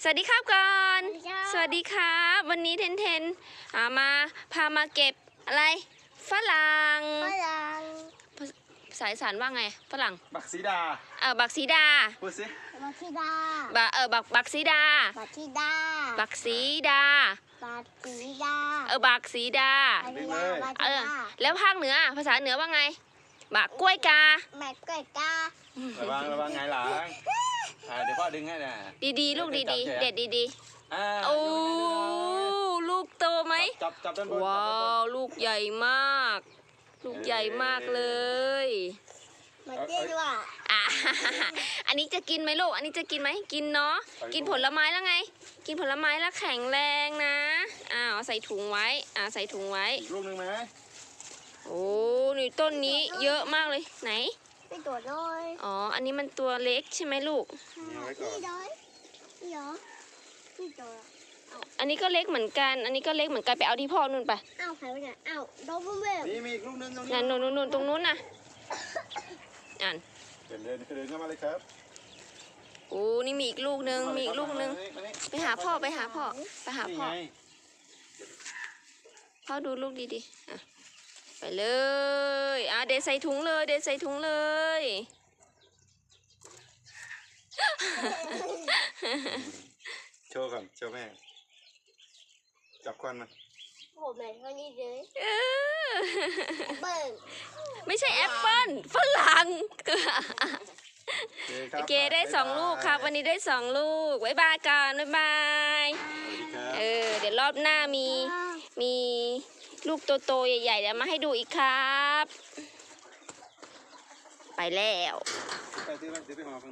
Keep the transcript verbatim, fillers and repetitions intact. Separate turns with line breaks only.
วัสดีครับก่อน
ส
ส
วั
วั
ส
ส
ดี
ดีครับวันนี้เทนเทนอ่ามาพามาเก็บอะไรฝรั่ง
ฝรั่ง
ภาษาอีสานว่าไงฝรั่ง
บักสีดา
เออบักสีดา
พูดสิ
บักซีดา
บะเออบักบักสีดา
บักซีดา
บักสีดา
บักซีดา
เออบักสีดา
บักซีดาบัก
เอ
ซี
อ
ดา
แล้วภาคเหนือภาษาเหนือว่าไงบักกล้วยกา
แม่กล้วยกา
ระวังระวังไงหลังอ่าเดี๋ยวพ่อดึงให้นะ
ดีๆ ลูกดีๆ เด็ดดี
อ่า
ๆโอ้ลูกโตไหม
จับจับด้านบน
ว้าวลูกใหญ่มาก ลูกใหญ่มากเลย
มาเจ๊ด้วย
อ่ะ อันนี้จะกินไหมลูก อันนี้จะกินไหมกินเนาะ กินผลไม้แล้วไง กินผลไม้แล้วแข็งแรงนะ อ้าวใส่ถุงไว้ อ่าใส่ถุงไว้
อีกลูกหนึ่งไหม
โอ้นี่ต้นนี้เยอะมากเลย ไหน
ไปตรวจด้วย
อ๋อ อันนี้มันตัวเล็กใช่ไหมลูก
นี่ไว้ก่อน
นี่ด้วยนี่เหรอนี่ตัว
อันนี้ก็เล็กเหมือนกัน อันนี้ก็เล็กเหมือนกันไปเอาที่พ่อนู่นไป
อ้าวใครวะเนี่ยอ้าวโดนบุ้มเบ้
นี่มีอีกลูกหนึงตรงนี้
นั่นนู่นนู่นตรงนู้นน่ะอ่าน
เดินเดินเดินเข้ามาเลยครับ
โอ้นี่มีอีกลูกนึง มีอีกลูกนึง
มานี่
ไปหาพ่อไปหาพ่อ ไปหา
นี่
พ่อ
ไง
พ่อดูลูกดีๆอ่ะไปเลยอ่ะเดใส่ถุงเลย เดใส่ถุงเลย
โชว์ก่อนโชว์แม่จับควันมัน
ผมเลยเท่านี้เลย
เออ
เบิ้ง
ไม่ใช่แอปเปิ้ลฝรั่ง
โอเคครับ
โอเคได้สองลูกครับ วันนี้ได้สองลูกบ๊ายบายก่อนบ๊ายบาย
สวัสดีครับ
เออเดี๋ยวรอบหน้ามีมีลูกโตๆใหญ่ๆเดี๋ยวมาให้ดูอีกครับ ไปแล้ว
ไปซื้อไปซื้อไปหอ